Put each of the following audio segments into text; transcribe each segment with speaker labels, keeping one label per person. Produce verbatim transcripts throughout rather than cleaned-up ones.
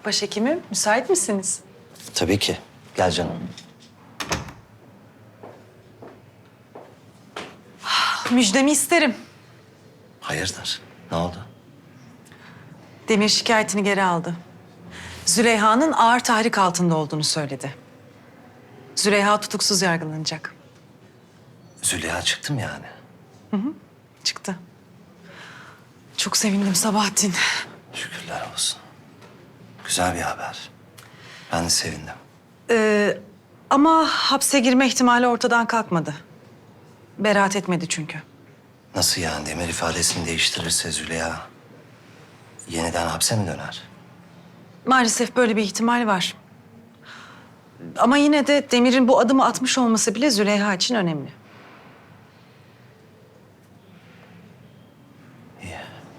Speaker 1: Başhekimim, müsait misiniz?
Speaker 2: Tabii ki. Gel canım.
Speaker 1: Müjdemi isterim.
Speaker 2: Hayırdır? Ne oldu?
Speaker 1: Demir şikayetini geri aldı. Züleyha'nın ağır tahrik altında olduğunu söyledi. Züleyha tutuksuz yargılanacak.
Speaker 2: Züleyha çıktım yani.
Speaker 1: Çıktı. Çok sevindim Sabahattin.
Speaker 2: Şükürler olsun. Güzel bir haber. Ben de sevindim.
Speaker 1: Ee, ama hapse girme ihtimali ortadan kalkmadı. Beraat etmedi çünkü.
Speaker 2: Nasıl yani? Demir ifadesini değiştirirse Züleyha yeniden hapse mi döner?
Speaker 1: Maalesef böyle bir ihtimal var. Ama yine de Demir'in bu adımı atmış olması bile Züleyha için önemli.
Speaker 2: İyi.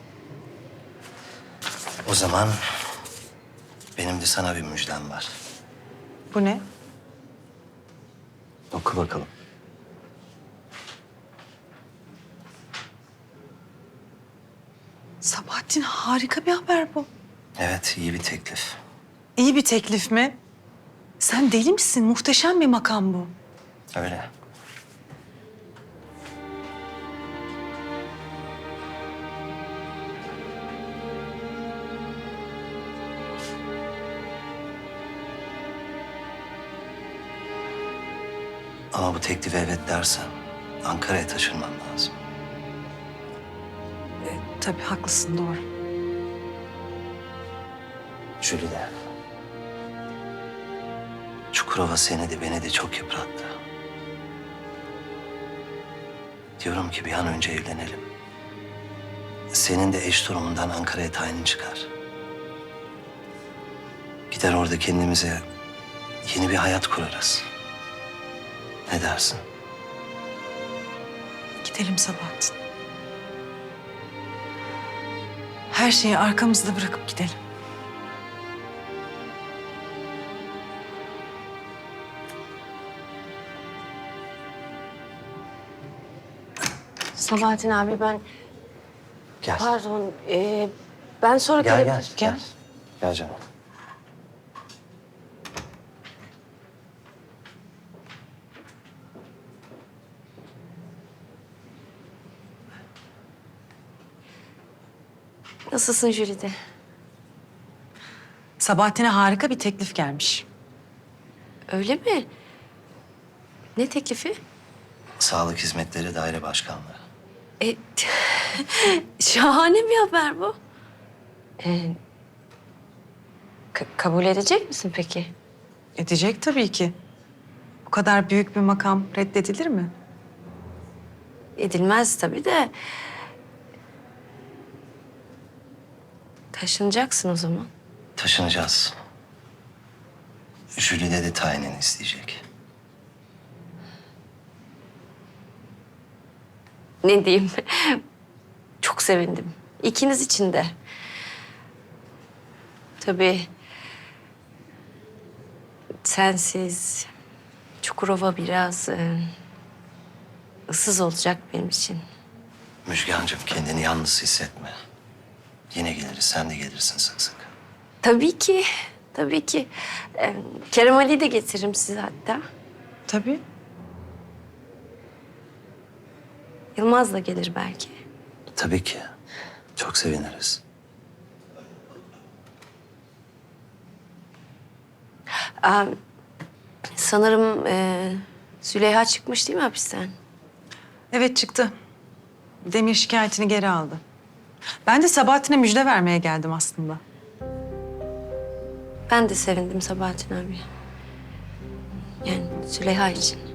Speaker 2: O zaman benim de sana bir müjdem var.
Speaker 1: Bu ne?
Speaker 2: Oku bakalım.
Speaker 1: Sabahattin, harika bir haber bu.
Speaker 2: Evet, iyi bir teklif.
Speaker 1: İyi bir teklif mi? Sen deli misin? Muhteşem bir makam bu.
Speaker 2: Öyle. Ama bu teklife evet dersen Ankara'ya taşınmam lazım.
Speaker 1: Tabii haklısın, doğru.
Speaker 2: Jülide. Çukurova seni de beni de çok yıprattı. Diyorum ki bir an önce evlenelim. Senin de eş durumundan Ankara'ya tayinin çıkar. Gider orada kendimize yeni bir hayat kurarız. Ne dersin?
Speaker 1: Gidelim Sabahattin. Her şeyi arkamızda bırakıp gidelim.
Speaker 3: Sabahattin abi ben
Speaker 2: Gel.
Speaker 3: pardon e, ben sonra
Speaker 2: Gel
Speaker 3: tele-
Speaker 2: gel. Gel. Gel canım.
Speaker 3: Nasılsın Jülide?
Speaker 1: Sabahattin'e harika bir teklif gelmiş.
Speaker 3: Öyle mi? Ne teklifi?
Speaker 2: Sağlık Hizmetleri Daire Başkanlığı.
Speaker 3: E, şahane bir haber bu. E, ka- kabul edecek misin peki?
Speaker 1: Edecek tabii ki. Bu kadar büyük bir makam reddedilir mi?
Speaker 3: Edilmez tabii de. Taşınacaksın o zaman.
Speaker 2: Taşınacağız. Jülide de tayinini isteyecek.
Speaker 3: Ne diyeyim? Çok sevindim. İkiniz için de. Tabii sensiz Çukurova biraz e, ıssız olacak benim için.
Speaker 2: Müjgancığım kendini yalnız hissetme. Yine geliriz, sen de gelirsin sık sık.
Speaker 3: Tabii ki, tabii ki. Ee, Kerem Ali'yi de getiririm size hatta.
Speaker 1: Tabii.
Speaker 3: Yılmaz da gelir belki.
Speaker 2: Tabii ki. Çok seviniriz.
Speaker 3: Aa, sanırım e, Züleyha çıkmış değil mi hapisten?
Speaker 1: Evet, çıktı. Demir şikayetini geri aldı. Ben de Sabahattin'e müjde vermeye geldim aslında.
Speaker 3: Ben de sevindim Sabahattin abi. Yani Züleyha için.